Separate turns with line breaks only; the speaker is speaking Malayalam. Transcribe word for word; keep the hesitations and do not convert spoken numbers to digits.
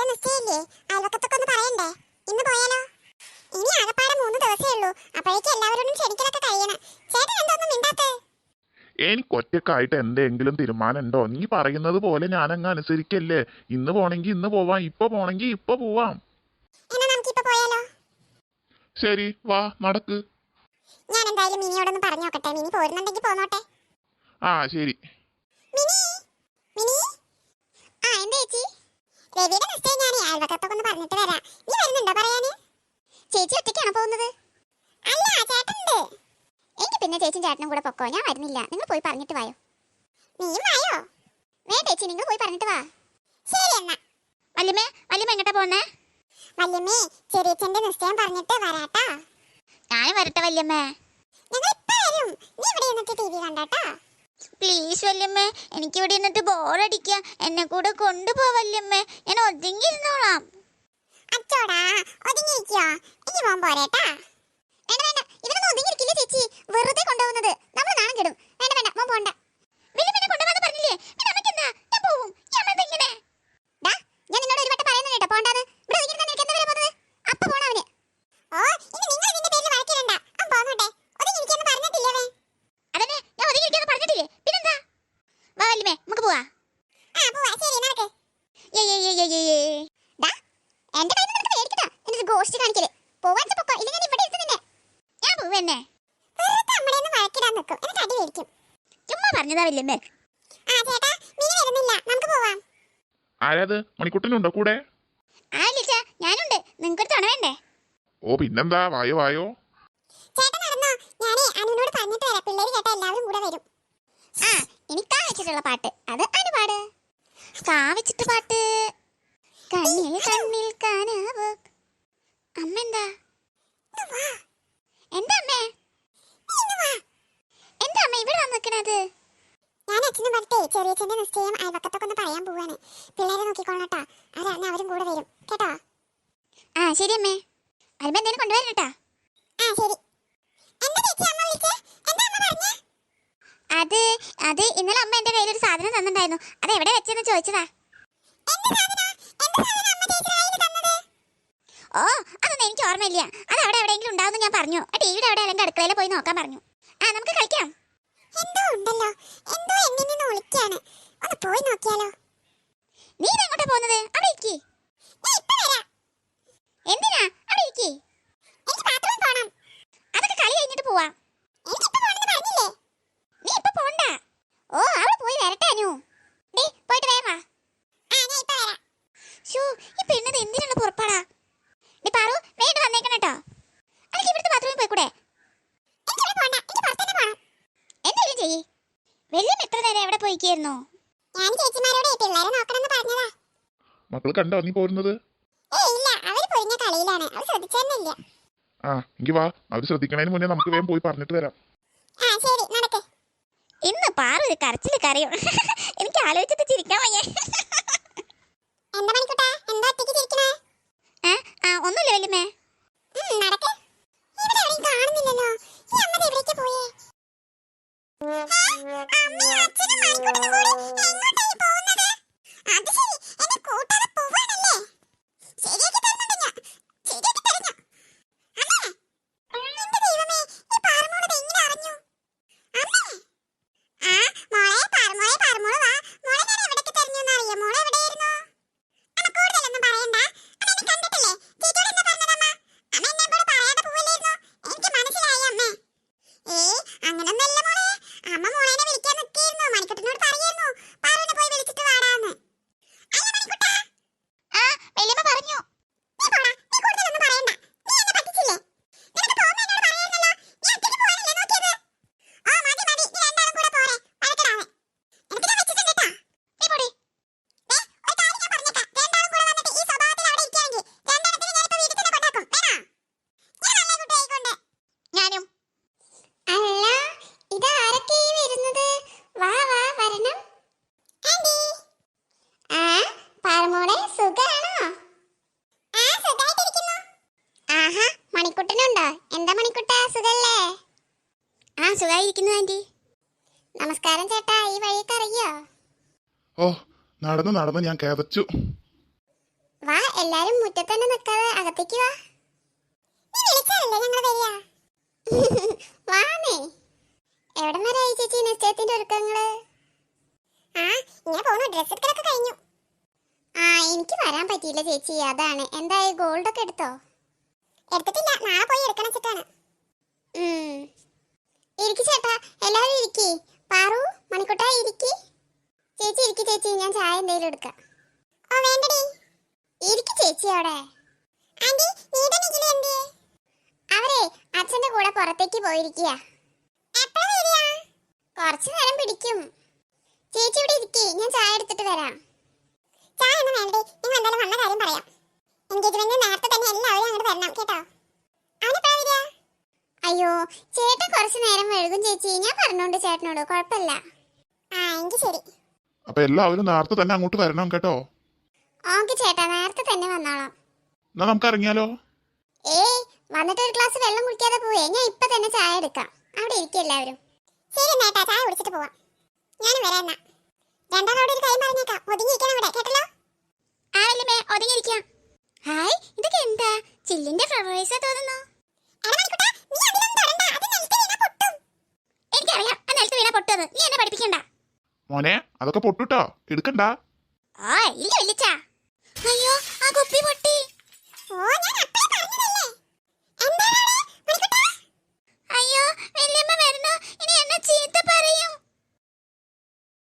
നിശ്ചയില്ലേ? അയൽവക്കത്തൊക്കെ ഒന്ന് പറയണ്ടേ? ഇന്ന് പോയാലോ? ഇനി ആകപ്പാടെ മൂന്ന് ദിവസമേ ഉള്ളൂ. അപ്പോഴേക്കും എല്ലാവരോടും ക്ഷണിക്കലൊക്കെ കഴിയണം. ചേട്ടൻ എന്തൊന്നും മിണ്ടാത്തേ?
എനിക്ക് ഒറ്റക്കായിട്ട് എന്തെങ്കിലും തീരുമാനം ഉണ്ടോ? നീ പറയുന്നത് പോലെ ഞാനങ്ങ് അനുസരിക്കല്ലേ. ഇന്ന് പോണെങ്കി ഇന്ന് പോവാം, ഇപ്പൊ പോണെങ്കി ഇപ്പൊ പോവാം.
എന്നാ നമുക്കിപ്പോ പോയാലോ?
ശരി, വാ നടക്ക്.
ഞാൻ എന്തായാലും മിനിയോടൊന്ന് പറഞ്ഞു നോക്കട്ടെ. മിനി പോരുന്നുണ്ടെങ്കിൽ പോന്നോട്ടെ.
ആ ശരി.
മിനി മിനി ആ എന്താ ചേച്ചി? രവിയുടെ നിശ്ചയം ഞാൻ അയൽവക്കത്തൊക്കെ ഒന്ന് പറഞ്ഞിട്ട് വരാം. നീ വരുന്നുണ്ടോ പറയാന്? ചേച്ചി ഒറ്റയ്ക്കാണോ പോകുന്നത്? അല്ല, ചേട്ടനുണ്ട്. എനിക്ക് പിന്നെ ചേച്ചിയും ചേട്ടനും കൂടെ പൊക്കോ, ഞാൻ വരുന്നില്ല. നിങ്ങൾ പോയി പറഞ്ഞിട്ട് വായോ. നീയും വായോ? വേണ്ട ചേച്ചി, നിങ്ങൾ പോയി പറഞ്ഞിട്ട് വാ. ശരി എന്നാ.
വല്യമ്മേ, വല്യമ്മ എങ്ങോട്ടാ പോന്നേ?
വല്യമ്മേ, ചെറിയച്ഛന്റെ നിശ്ചയം പറഞ്ഞിട്ട് വരാട്ടാ.
ഞാനും വരട്ടെ വല്യമ്മേ.
ഞങ്ങൾ ഇപ്പൊ വരും. നീ ഇവിടെ ഇരുന്നിട്ട് ടി വി കണ്ടാട്ടാ.
പ്ലീസ് വല്യമ്മേ, എനിക്ക് ഇവിടെ ഇരുന്നിട്ട് ബോറടിക്കുക. എന്നെ കൂടെ കൊണ്ടുപോ വല്യമ്മേ. ഞാൻ ഒതുങ്ങിയിരുന്നോളാം.
അച്ചോടാ, ഒതുങ്ങിയിരിക്കോ? എനിക്ക് പോകാൻ പോരേട്ടാ.
വേണ്ട വേണ്ട, ഇവരൊന്നും ഒതുങ്ങിയിരിക്കില്ല ചേച്ചി. വെറുതെ കൊണ്ടുപോകുന്നത് നമ്മൾ നാണം കെടും. വേണ്ട വേണ്ട, മോൻ പോണ്ട. വല്യമ്മനെ കൊണ്ടുപോകാന്ന് പറഞ്ഞില്ലേ? പിന്നെ അമ്മയ്ക്ക് എന്താ? ഞാൻ പോവും. ഈ അമ്മ എന്താ ഇങ്ങനെ? ഡാ, ഞാൻ നിന്നോട് ഒരു വട്ടം പറയുന്നത് കേട്ടോ, പോണ്ടാന്ന്. ഇവിടെ ഒതുങ്ങിയിരുന്നാ നിനക്ക് എന്താ വരാൻ പോകുന്നത്? അപ്പ പോണം അവന്.
ഓ, ഇനി നിങ്ങൾ ഇതിന്റെ പേരിൽ വഴക്കിടണ്ട. അവൻ പോന്നോട്ടെ. ഒതുങ്ങിയിരിക്കാന്ന് പറഞ്ഞിട്ടില്ലേ അവൻ?
അതന്നെ, ഞാൻ ഒതുങ്ങിയിരിക്കാന്ന് പറഞ്ഞിട്ടില്ലേ? പിന്നെന്താ? വാ വല്യമ്മേ, നമുക്ക് പോവാ.
ആ പോവാ. ശരി, നടക്ക്.
ഏ ഏ ഏ ഏ ഏ
ഡാ, എന്റെ കയ്യിൽ നിന്ന് നിനക്ക് മേടിക്കട്ടോ. എന്നിട്ട് ഗോഷ്ടി കാണിക്കല്. പോവാൻ പൊക്കോ, ഇല്ലെങ്കിൽ ഞാൻ ഇവിടെ ഇരുത്ത് നിന്നെ.
ഞാൻ പോവന്നെ.
വെറുതെ നമ്മളെ ഒന്ന് വഴക്കിടാൻ നിൽക്കും. എന്നിട്ട് അടി മേടിക്കും.
ചുമ്മാ പറഞ്ഞതാ വല്യമ്മേ.
ആ ചേട്ടാ, മിനി വരുന്നില്ല. നമുക്ക് പോവാം.
ആരാത്? മണിക്കുട്ടനുണ്ടോ കൂടെ?
ആ ലിച്ച, ഞാനുണ്ട്. നിങ്ങൾക്കൊരു തുണ വേണ്ടേ?
ഓ പിന്നെന്താ, വായോ വായോ.
ചേട്ടൻ നടന്നോ? ഞാനേ അനുവിനോട് പറഞ്ഞിട്ട് വരാം. പിള്ളേര് കേട്ടാ എല്ലാവരും കൂടെ വരും.
ആ, ഇനി കാ വെച്ചിട്ടുള്ള പാട്ട് അത് അനു പാട്. കാ വെച്ചിട്ട് പാട്ട്. കണ്ണിൽ കണ്ണിൽ കനവ്. അമ്മ എന്താ? എന്താ അമ്മേ? എന്താ അമ്മ ഇവിടെ വന്ന് നിൽക്കണത്?
ഞാൻ അച്ഛനും പറഞ്ഞേ ചെറിയച്ഛന്റെ നിശ്ചയം അയൽവക്കത്തൊക്കെ ഒന്ന് പറയാൻ പോവാണ്. പിള്ളേരെ നോക്കിക്കോളട്ടാ. അവരറിഞ്ഞ അവരും കൂടെ വരും കേട്ടോ.
ആ ശരി അമ്മേ. വരുമ്പോ എന്തേലും കൊണ്ടുവരണം കേട്ടാ.
ആ ശരി. എന്താ ചേച്ചി അമ്മ വിളിച്ചേ? എന്താ അമ്മ പറഞ്ഞേ?
അത് അത് ഇന്നലെ അമ്മ എന്റെ കയ്യിൽ ഒരു സാധനം തന്നിട്ടുണ്ടായിരുന്നു. അത് എവിടെ വെച്ചെന്ന് ചോദിച്ചതാ. ഓ, അതൊന്നും എനിക്ക് ഓർമ്മയില്ല. അത് അവിടെ എവിടെയെങ്കിലും ഉണ്ടാവുമെന്ന് ഞാൻ പറഞ്ഞു. ആ ടിവിയുടെ അവിടെ അല്ലെങ്കിൽ അടുക്കളയിൽ പോയി നോക്കാൻ പറഞ്ഞു. ആ നമുക്ക് കളിക്കാം.
എന്തോ ഉണ്ടല്ലോ, എന്തോ എന്നിൽ നിന്ന് വിളിക്കാണ്. ഒന്ന് പോയി നോക്കിയാലോ?
നീ എങ്ങോട്ടാ പോകുന്നത്? അവിടെ ഇരിക്കി.
ഞാൻ ഇപ്പൊ വരാം.
എന്തിനാ അവിടെ ഇരിക്കി?
എനിക്ക് ബാത്റൂമിൽ പോണം.
അതൊക്കെ കളി കഴിഞ്ഞിട്ട് പോവാം.
എനിക്ക് ഇപ്പൊ പോണെന്ന് പറഞ്ഞില്ലേ?
നീ ഇപ്പൊ പോണ്ട. ഓ, അവിടെ പോയി വരട്ടെ അനു. ഡേ പോയിട്ട് വേഗം വാ.
ആ ഞാൻ ഇപ്പൊ വരാം.
ഷൂ, ഈ പെണ്ണത് എന്തിനുള്ള പുറപ്പാടാ? ഡേ പാറു, വേണ്ട വന്നേക്കണം കേട്ടോ. അല്ലെങ്കിൽ ഇവിടുത്തെ ബാത്റൂമിൽ പോയിക്കൂടെ?
എനിക്ക് ഇവിടെ പോണ്ട. എനിക്ക് പുറത്തുതന്നെ പോണം.
എന്തായാലും ചെയ്യ്. വലിയ എത്ര നേരം എവിടെ പോയിക്കായിരുന്നു?
ഞാൻ ചേച്ചിമാരോട് പിള്ളേരെ നോക്കണമെന്ന് പറഞ്ഞതാ.
മക്കൾ കണ്ടോ നീ പോരുന്നത്?
ഏയ് ഇല്ല, അവര് പൊരിഞ്ഞ കളിയിലാണ്. അവർ ശ്രദ്ധിച്ചെന്നില്ല.
ആ എങ്കി വാ, അവര് ശ്രദ്ധിക്കണതിന് മുന്നേ നമുക്ക് വേഗം പോയി പറഞ്ഞിട്ട് വരാം.
ആ ശരി, നടക്ക്.
ഇന്ന് പാറു ഒരു കരച്ചില് കരയും. എനിക്ക് ആലോചിച്ചിട്ട് ചിരിക്കാൻ വയ്യ.
എന്താ മണിക്കുട്ടാ, എന്താ ഒറ്റയ്ക്ക് ചിരിക്കണേ?
ആ ആ ഒന്നുമില്ല വല്യമ്മേ.
നടക്ക്. ഇവിടെ എവിടെയും കാണുന്നില്ലല്ലോ. ഈ അമ്മ എവിടേക്ക് പോയേ? അമ്മയും അച്ഛനും മണിക്കുട്ടനും കൂടി എങ്ങോട്ടായി പോകുന്നത്? അത് ശരി, എന്നെ കൂട്ടാതെ പോവാണല്ലേ? ശരിയാക്കി തരുന്നുണ്ട് ഞാൻ. ശരിയാക്കി തരും ഞാൻ. അമ്മേ, എന്റെ ദൈവമേ, ഈ പാറമോള് ഇത് എങ്ങനെ അറിഞ്ഞു? അമ്മേ, ആ മോളെ പാറമോളെ പാറമോള് വാ. മോളെ ഞാൻ എവിടേക്ക് തെരഞ്ഞൂന്ന് അറിയോ? മോളെ എവിടെയായിരുന്നു? അമ്മ കൂടുതലൊന്നും പറയണ്ട. അമ്മ എന്നെ കണ്ടിട്ടില്ലേ? ചേച്ചിയോട് എന്താ പറഞ്ഞതമ്മ? അമ്മ എന്നോട് പറയാതെ പോവില്ലായിരുന്നു. എനിക്ക് മനസ്സിലായി അമ്മേ. ഏയ് അങ്ങനൊന്നല്ല മോളെ. അമ്മ മോളേനെ വിളിക്കാൻ നിൽക്കായിരുന്നു. മണിക്കുട്ടനോട് പറയായിരുന്നു പാറുവിനെ പോയി വിളിച്ചിട്ട് വാടാന്ന്. അല്ല മണിക്കുട്ടാ.
ആ വല്യമ്മ പറഞ്ഞു.
നീ പോടാ, നീ കൂടുതലൊന്നും പറയണ്ട. നീ എന്നെ പറ്റിച്ചില്ലേ? നിനക്ക് പോകുമ്പോ എന്നോട് പറയായിരുന്നല്ലോ. നീ ഒറ്റയ്ക്ക് പോകാനല്ലേ നോക്കിയത്? ഓ മതി മതി, നീ രണ്ടാളും കൂടെ പോരെ. വഴക്കിടാതെ. എനിക്ക് ഞാൻ വെച്ചിട്ടുണ്ട് കേട്ടാ.
നീ പോടി.
ദേ, ഒരു കാര്യം ഞാൻ പറഞ്ഞേക്കാം. രണ്ടാളും കൂടെ വന്നിട്ട് ഈ സ്വഭാവത്തിൽ അവിടെ ഇരിക്കുകയാണെങ്കിൽ രണ്ടെണ്ണത്തിനെ ഞാനിപ്പോ വീട്ടിൽ തന്നെ കൊണ്ടാക്കും. വേണോ? ഞാൻ നല്ല കുട്ടിയായിക്കൊണ്ട്.
ഞാനും.
അല്ല, ഇതാരൊക്കെ ഈ വരുന്നത്? വാ വാ വരണം. ആന്റി. ആ പാറമോളെ സുഖാണോ? ആ സുഖായിട്ടിരിക്കുന്നു. ആഹാ, മണിക്കുട്ടനുണ്ടോ? എന്താ മണിക്കുട്ടാ, സുഖല്ലേ?
ആ സുഖായിരിക്കുന്നു ആന്റി.
നമസ്കാരം ചേട്ടാ, ഈ വഴിയൊക്കെ അറിയോ?
ഓ നടന്നു നടന്ന് ഞാൻ കിതച്ചു.
വാ, എല്ലാരും മുറ്റത്ത് തന്നെ നിൽക്കാതെ അകത്തേക്ക് വാ.
നീ വിളിച്ചാലല്ലേ ഞങ്ങൾ വരിക.
വാന്നേ. എവിടെ വരായി ചേച്ചി നിശ്ചയത്തിന്റെ ഒരുക്കങ്ങള്?
ആ ഇങ്ങനെ പോകുന്നു. ഡ്രസ് എടുക്കലൊക്കെ കഴിഞ്ഞു.
ആ എനിക്ക് വരാൻ പറ്റിയില്ല ചേച്ചി, അതാണ്. എന്തായി, ഗോൾഡ് ഒക്കെ എടുത്തോ?
എടുത്തിട്ടില്ല, നാളെ പോയി എടുക്കണം വെച്ചിട്ടാണ്.
ഉം. ഇരിക്ക് ചേട്ടാ, എല്ലാവരും ഇരിക്കി. പാറു, മണിക്കുട്ട ഇരിക്കി. ചേച്ചി ഇരിക്കി ചേച്ചി, ഞാൻ ചായ എന്തെങ്കിലും എടുക്കാം.
ഓ വേണ്ടടി.
ഇരിക്കി ചേച്ചി അവിടെ.
ആന്റി നീടെ നിഖില എന്തിയെ?
അവരെ അച്ഛന്റെ കൂടെ പുറത്തേക്ക് പോയിരിക്കുക.
എപ്പോഴാ വരിക?
കുറച്ചു നേരം പിടിക്കും. ചേച്ചി ഇവിടെ ഇരിക്കി, ഞാൻ ചായ എടുത്തിട്ട് വരാം.
ചായ ഒന്നും വേണ്ടടി, നിങ്ങൾ എന്തായാലും വന്ന കാര്യം പറയാം. എൻഗേജ്മെന്റ് നേരത്തെ തന്നെ എല്ലാവരും അങ്ങോട്ട് വരണം കേട്ടോ. അവനെപ്പോഴാ വരിക?
അയ്യോ ചേട്ടൻ കുറച്ചു നേരം വഴുകും ചേച്ചി, ഞാൻ പറഞ്ഞോണ്ട് ചേട്ടനോട്, കുഴപ്പമില്ല.
ആ എങ്കിൽ ശരി.
അപ്പൊ എല്ലാവരും നേരത്തെ തന്നെ അങ്ങോട്ട് വരണം കേട്ടോ.
ഓക്കെ ചേട്ടാ, നേരത്തെ തന്നെ വന്നോളാം.
എന്നാ നമുക്ക് ഇറങ്ങിയാലോ?
ഏയ് വന്നിട്ട് ഒരു ഗ്ലാസ് വെള്ളം കുടിക്കാതെ പോവേ, ഞാൻ ഇപ്പൊ തന്നെ ചായ എടുക്കാം. അവിടെ ഇരിക്കും എല്ലാവരും.
ശരി നേട്ടാ, ചായ കുടിച്ചിട്ട് പോവാം. ഞാനും വരാം എന്നാ. രണ്ടാളോട് ഒരു കാര്യം പറഞ്ഞേക്കാം, ഒതുങ്ങിയിരിക്കണം ഇവിടെ കേട്ടല്ലോ.
ആ വല്യമ്മേ, ഒതുങ്ങിയിരിക്കാം. ഹായ്, ഇതൊക്കെ എന്താ? ചില്ലിന്റെ ഫ്ലവേഴ്സാ തോന്നുന്നു.
എടാ മണിക്കുട്ടാ, നീ അതിലൊന്നും തൊടണ്ട, അത് നിലത്ത് വീണാ പൊട്ടും.
എനിക്കറിയാം ആ നിലത്ത് വീണ പൊട്ടത്, നീ എന്നെ പഠിപ്പിക്കണ്ട.
മോനെ അതൊക്കെ പൊട്ടുട്ടോ, എടുക്കണ്ട.
ആ ഇല്ല ഇല്ല